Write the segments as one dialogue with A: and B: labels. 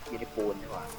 A: ยูนิปูนดีกว่า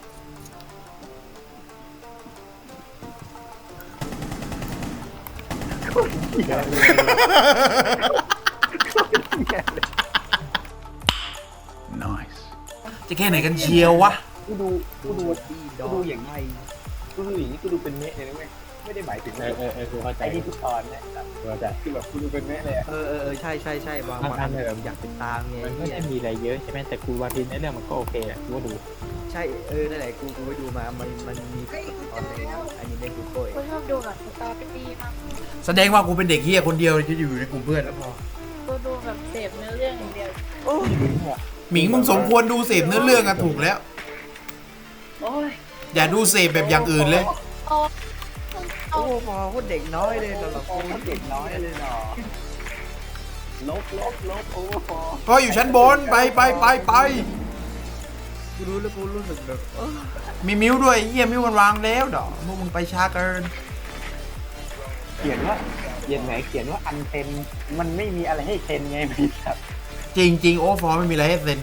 B: จะแค่ไหนกันเชียววะ
A: กูดูอย่างไรกูดูอย่างนี้กูดูเป็นเมะเลยนะเว้ยไม่ได้หมายถึง
C: กูเข้าใจ
A: ไอ้ที่ทุกตอนเนี่ยคือแบบกูดูเป็นเมะเลย
D: ใช่บางอันแบบอยากเป็นตามไง
C: มันไม่ได้มีอะไรเยอะใช่ไหมแต่กูว่าทีในเรื่องมันก็โอเคอ่ะกูก็ดู
D: ใช่นั่นแหละกูไปดูมามันมีตอนในอันนี้ในกูโก้
E: กูชอบดูแบบสตอรี่มาก
B: แสดงว่ากูเป็นเด็กเฮียคนเดียวที่อยู่ในกลุ่มเพื่อนแล้วพอ
E: กูดูแบบเสพเนื้อเรื่องอย่างเดียว
B: หมิงมึงสมควรดูเสพเนื้อเรื่องอะถูกแล้ว
E: โอ้ย
B: อย่าดูเสพแบบอย่างอื่นเลย
E: โอ้
D: โอ้พอโคตรเด็กน้อยเลยสำหรับ
A: โอ้
D: กู
A: เด็กน้อยเลยเนาะลบโอ้พอ
B: ก็อยู่ชั้นบนไป
D: กูรู้แล้วกูรู้สึกแบบ
B: มีมิ้วด้วยเฮียมิ้วมันวางแล้วดอกพวกมึงไปช้าเกิน
A: เขียนว่าอันเทนมันไม่มีอะไรให้เทนไงพี่ครับ
B: จริงโอ้ฟอร์ไม่มีอะไรให้เซ็น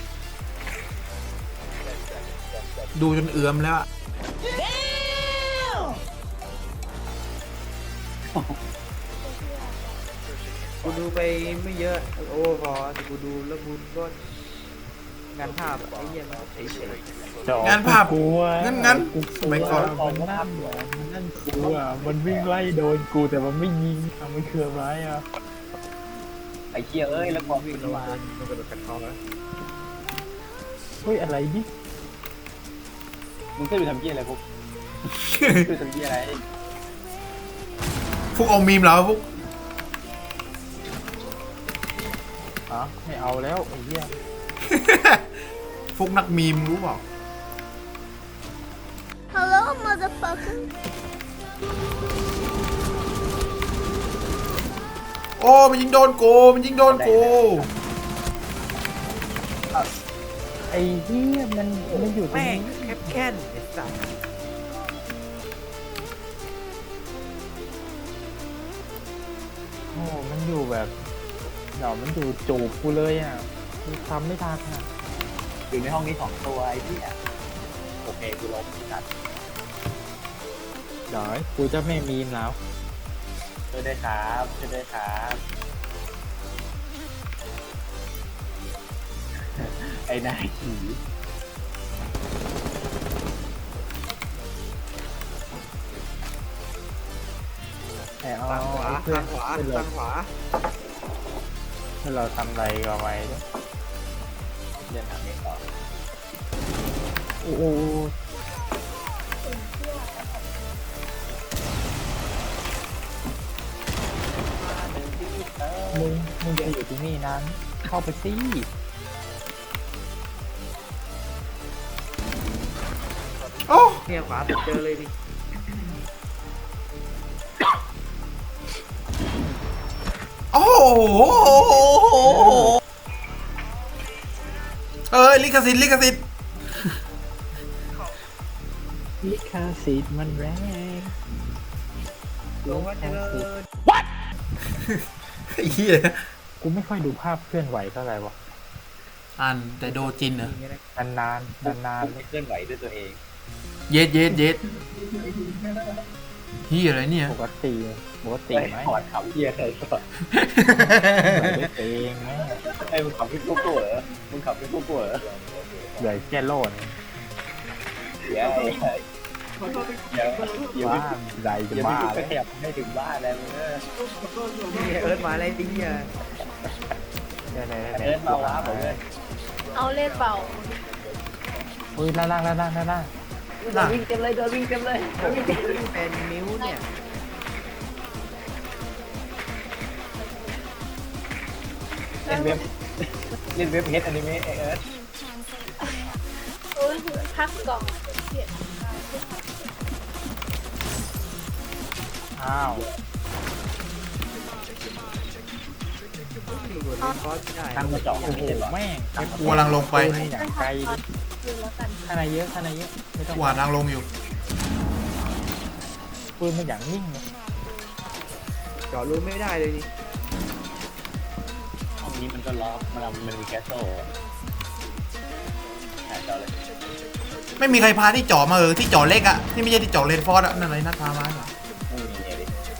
B: ดูจนเอือมแล้วอะ
D: กูดูไปไม่เยอะโอ้พอแต่กูดูแล้วกูก็งานภาพไอ้เหี้ยมันเฉย
B: งานภาพ
C: กูอ่ะ
B: งั้นสมัยก่อน
C: นั่นกูอ่ะมันวิ่งไล่โดนกูแต่มันไม่ยิงมันคืออะไรอ่ะ
A: ไอ้เชี่ยเอ้ยแล้วพอ
D: ๆ
A: วิ่
D: วิ่
A: ง
D: ง
A: มา
D: มันกระโดดกันคอแล้ว
C: เฮ้ยอะไรดิ
A: มึงเคยดูทำเชี่ยอะไรพวกดูทำเชี่ยอะไร
B: พวกเอามีมเหรอพวก
C: อ๋อไม่เอาแล้วไอ้เหี้ย
B: พวกนักมีมรู้เปล่า
E: Hello motherfucker
B: โอ้มันยิงโดนกูมันยิงโดนกู
C: ไอ้เหี้ยมันอยู่ตรง
D: แม่ง
C: นี้
D: แคบแค้นไอ้สัส
C: โอ้มันอยู่แบบเดี๋ยวมันอยู่จูบกูเลยอ่ะกูทำไม่ทันอ่ะ
A: อยู่ในห้องนี้2ตัวไอ้ที่โอเคกูลบจัด
C: เดี๋ยวกูจะไม่มีมแล้ว
A: ช่วยด้วยครับไอ้นายผี
C: แต่เอา
D: ทางขวา
C: เพื่อน
D: ทางขวา
C: เพื่อนเรา
D: ทางขวา
C: เพื่อนเราทำอะไรเอาไว้ด้วย
A: เดินทางนี้ต่อ
C: โอ้โหมึงจะอยู่ที่นี่นานเข้าไปสิ
B: โอ้
D: เนี่ยขวาสุดเจอเลยดิ
B: โอ้โหลิขสิทธิ์
C: ลิขสิทธิ์มันแรง
D: ลงมาเจริญ
B: ไอ้เหี้ย
C: กูไม่ค่อยดูภาพเคลื่อนไหวเท่าไหร่วะ
B: อ่านแต่โดจินเหรอ
C: นานๆ
A: ไม่เคลื่อนไหวด้วยตัวเอง
B: เย็ดเหี้ยอะไรเนี่ย
C: ปกติไหม
A: ถอดขำเฮียใส่ถอด
C: เหมือนด้วยตัวเองไหม
A: ไอ้มึงขำพี่กู้เหรอมึงขำพี่กู้เหรอ
C: เหลือแค่โลด
A: เดี๋ยวเดี๋ยว
C: บ้าใดจะ
A: เดี๋ยว
C: บ้า
A: พี่
C: แล้ว
A: ขยับให้ถึงบ้านแล้วมึง
D: เอิร์ธมาอะไรดิอ่ะ
A: เอิร์ธมาว้าผมเลย
E: เอาเล่นเป่า
C: อุ้ยล่าง
A: โดนวิ่งเต็มเลย
D: เป็นนิ้วเนี่ย
A: เล่นเว็บเฮดอนิเมะเอิร์ธ
E: โอ้ยพักกล่องเสีย
C: อ้าว
D: ดูบนคอร์สได้
A: ตั้งมาเจาะ
C: โอ้โหแม่ง
B: กูกำลังลงไป
C: อย่างไกล
E: คืนแล้วกัน
C: ข้างในเยอะไม่ต้อง
B: กูหาทางลงอยู่
C: ปืนมันอย่างนิ่งเลย
D: จอดรู้ไม่ได้เลยนี่
A: ห้องนี้มันก็ล็อกมันมีแก๊สโซ่หาเจาะเลย
B: ไม่มีใครพาที่จ่อมาที่จ่อเล็กอะที่ไม่ใช่ที่จ่อเลนฟอร์ดอะนั่นอะไรนัดพามาเหรอ
A: ไม่มีเลย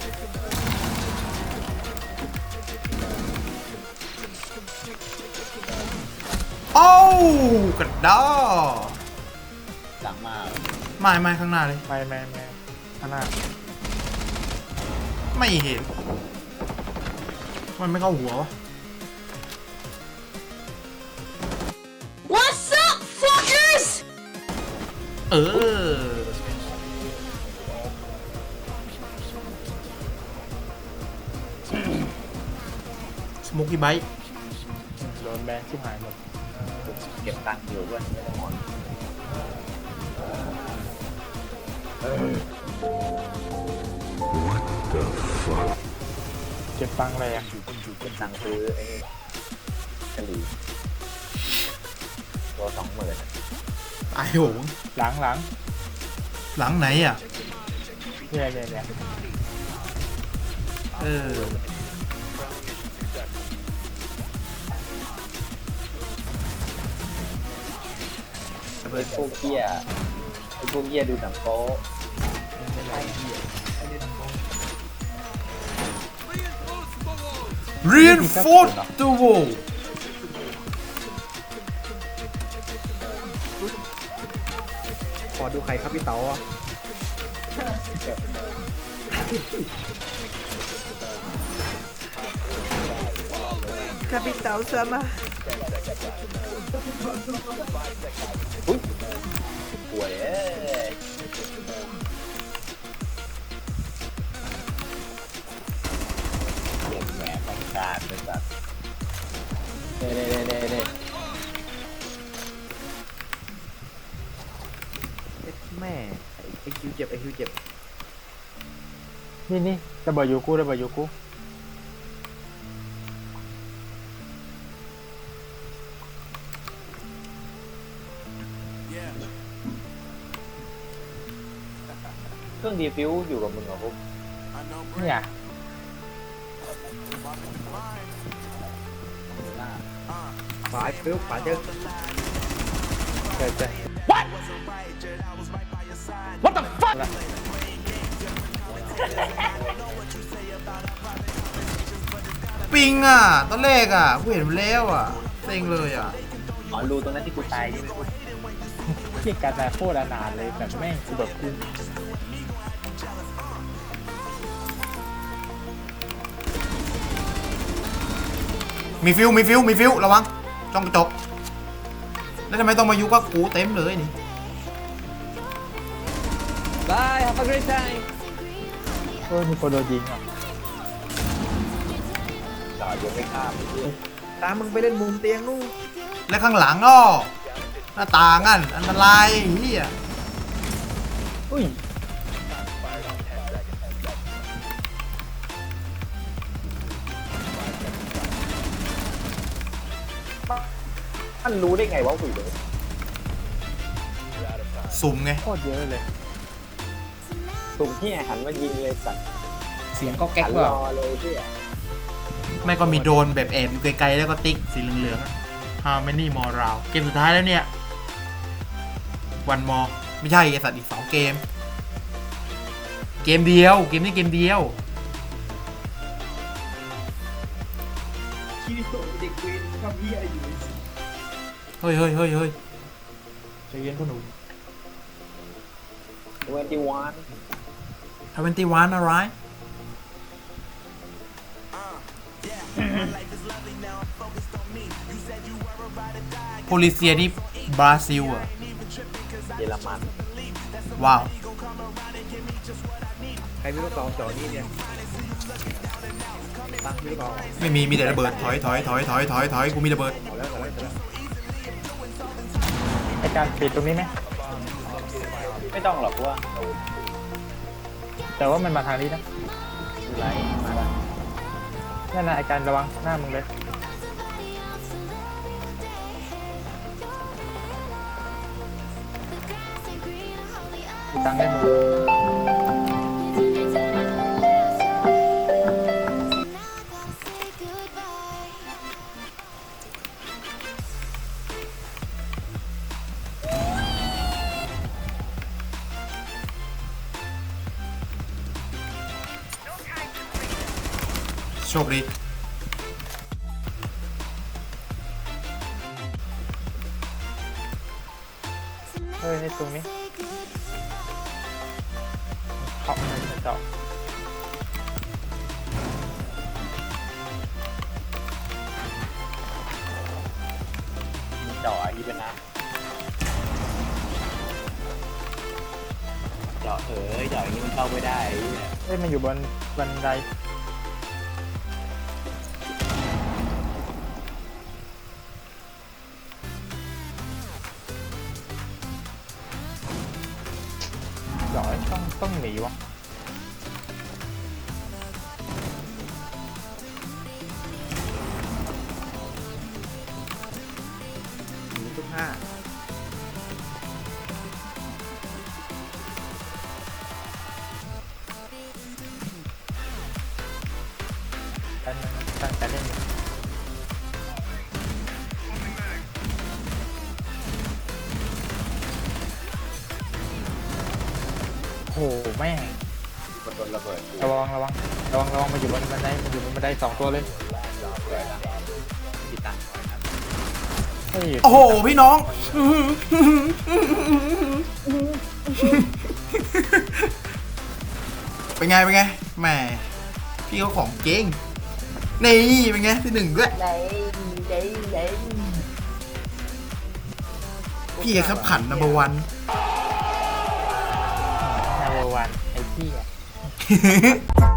B: โอ้กระดอ
A: หลังมา
B: ไม่ข้างหน้าเลย
C: ไม่ข้างหน้า
B: ไม่เห็นมันไม่เข้าหัววะ
E: What's up fuckers
B: เออสโมกี้ไบท์
C: โดนแบนชิบหายหมด
A: เก็บตังค์อยู่ด้วยไม่ได้หมด
C: เก็บตังค์อะไรอ่ะ
A: เก็บตังค์ซื้อไอ้กะหรี่ตัว20,000
B: ตายโหง
C: หลัง
B: หลังไหนอ่ะ
C: เนี่ย
B: เออ
A: ไอ้พวกเกี้ยดูหนังโป๊
B: reinforce the wall
D: ขอดูใครครับพี่เต๋าอ่ะครับพี่เต๋าซะมา
A: ป่วยเก็บแหวนของการเป็นแบบเน่
D: แม่ไอคิวเจ็บ
C: นี่ระเบิดยูกู
A: เครื่องดีฟิวอยู่กับมึงเหรอพวก
C: เนี่ย
D: ขวาฟิวขวาเจอ
C: เจอ
B: ปิงอ่ะตอนแรกอ่ะกูเห็นมันแล้วอ่ะเซ็งเลยอ่ะ
A: อ๋อรูตรงนั้นที่กูตายใช่ไหม
C: เกี่ยกันแต่โคตรอนาถเลยแบบแม่งกูแบบกู
B: มีฟิวระวังจ้องกระจกแล้วทำไมต้องมายุกับกูเต็มเลยนี่
D: Bye have a great time
C: มีคนโดนยิงอ่ะ
A: ต่อยังไม่ข้ามไอ้เหี้ย
D: ตามมึงไปเล่นมุมเตียงนู่น
B: และข้างหลังอ้อหน้าต่างอันอันตรายเฮีย
C: อุ้ย
A: มันรู้ได้ไงวะคุยเลย
B: สุ่มไง
C: โคตรเยอะเลย
A: สุ่มที่หันมายิงเลยสัตว์
D: เสียงก็แก๊ก
A: หัน
D: ว่ะ
A: รอเลยพี่
B: ไม่ก็มีโดนแบบแอบอยู่ไกลๆแล้วก็ติ๊กสีเหลืองๆ How many more round เกมสุดท้ายแล้วเนี่ย one more ไม่ใช่ไอสัตว์อีก2เกม เกมเดียวเกมนี้เกมเดียว เฮ้ย
C: ใจเย็นพ่อหนุ่ม
A: 21
B: 21 อะไรโพลิเซียนี่บราซิลอ่ะ
A: เยอรมัน
B: ว้าว
D: ใครมีลูกซองจ่อนี่เนี่ยตั้งมีลูกซอง
B: ไม่มี มีแต่ระเบิด ถอยกูมีระเบิด
D: เอาแล้ว
C: ไอการปิดตรงนี้ไหม
A: ไม่ต้องหรอกว่า
C: แต่ว่ามันมาทางนี้นะ
A: ไรมาละ
C: นั่นนะไอการระวังหน้ามึงเลยมีตังค์ได้มึง
B: ชคดี
C: เฮ้ยในตรงนี้เขาจะเจาะ
A: มีจ่ออีเป็นนะจ่อจ่ออย่างนี้มันเข้าไม่ได้ไอ้เหี้ย
C: เฮ้ยมันอยู่บนบันไดเจาะต้องหนีวะ
D: หนีทุกห้า
C: ตั้งแต่เล่นอยู่โอ้โหแม่ง
A: มันโดนระเบิด
C: ระวังมันอยู่บนบันไดสองตัวเลย
A: ที่ตั้งไว้ครับ
C: เฮ้ย
B: โอ้โห พี่น้อง เป็นไงแหมพี่เขาของเก่งนี่เป็นไงที่หนึ่งด้วย
E: ไหน
B: พี่ครับขันนัมเบอร์วัน
C: นาเวอร์วันไอ้พี่อะ